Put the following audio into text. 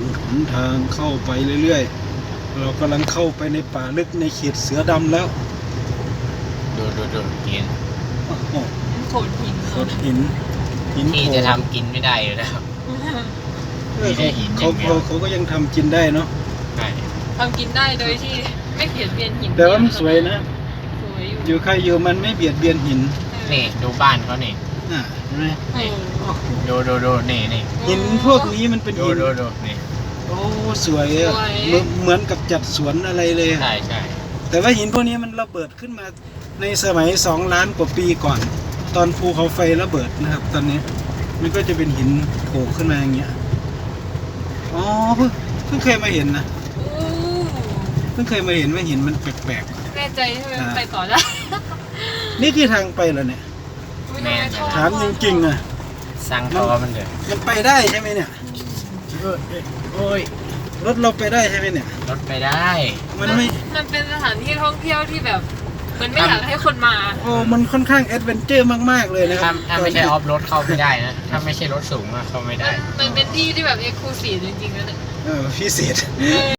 หนทางเข้าไปเรื่อยๆเรากำลังเข้าไปในป่าลึกในเขตเสือดำแล้วดูกินโอ้โหโขดหินโขดหินที่โขดจะทำกินไม่ได้อยู่แล้ว มีแค่หินอย่างเดียวเขาก็ยังทำกินได้เนาะใช่ทำกินได้โดยที่ไม่เบียดเบียนหินแต่ว่ามันสวยนะสวยอยู่อยู่ใครอยู่มันไม่เบียดเบียนหินนี่ดูบ้านเขานี่เห็นไหมโอ้โหโอ้โหดูนี่หินพวกนี้มันเป็นหินดูนี่โอ้สวยอะเหมือนกับจัดสวนอะไรเลยอะใช่แต่ว่าหินพวกนี้มันระเบิดขึ้นมาในสมัย2 ล้านกว่าปีก่อน ตอนภูเขาไฟระเบิดนะครับ ตอนนี้มันก็จะเป็นหินโผล่ขึ้นมาอย่างเงี้ยอ๋อเพิ่งเคยมาเห็นนะโอ้เพิ่งเคยมาเห็นว่าหินมันแปลกแน่ใจใช่ไหมมันไปต่อได้ๆนี่คือทางไปเหรอเนี่ยไม่น่ชอบถามจริงๆอะสร้างทอมันเถอะมันไปได้ใช่ไหมเนี่ยโอ้ยรถเราไปได้ใช่ไหมเนี่ยรถไปได้มันไม่มันเป็นสถานที่ท่องเที่ยวที่แบบมันไม่อยากให้คนมาโอ้มันค่อนข้างแอดเวนเจอร์มากๆเลยนะครัถ้าไม่ใช่ออฟรถเข้าไม่ได้นะ ถ้าไม่ใช่รถสูงอะเข้าไม่ได้มันเป็นที่ที่แบบเอ็กซ์คลูซีฟจริงๆนะเนี่ยพิเศษ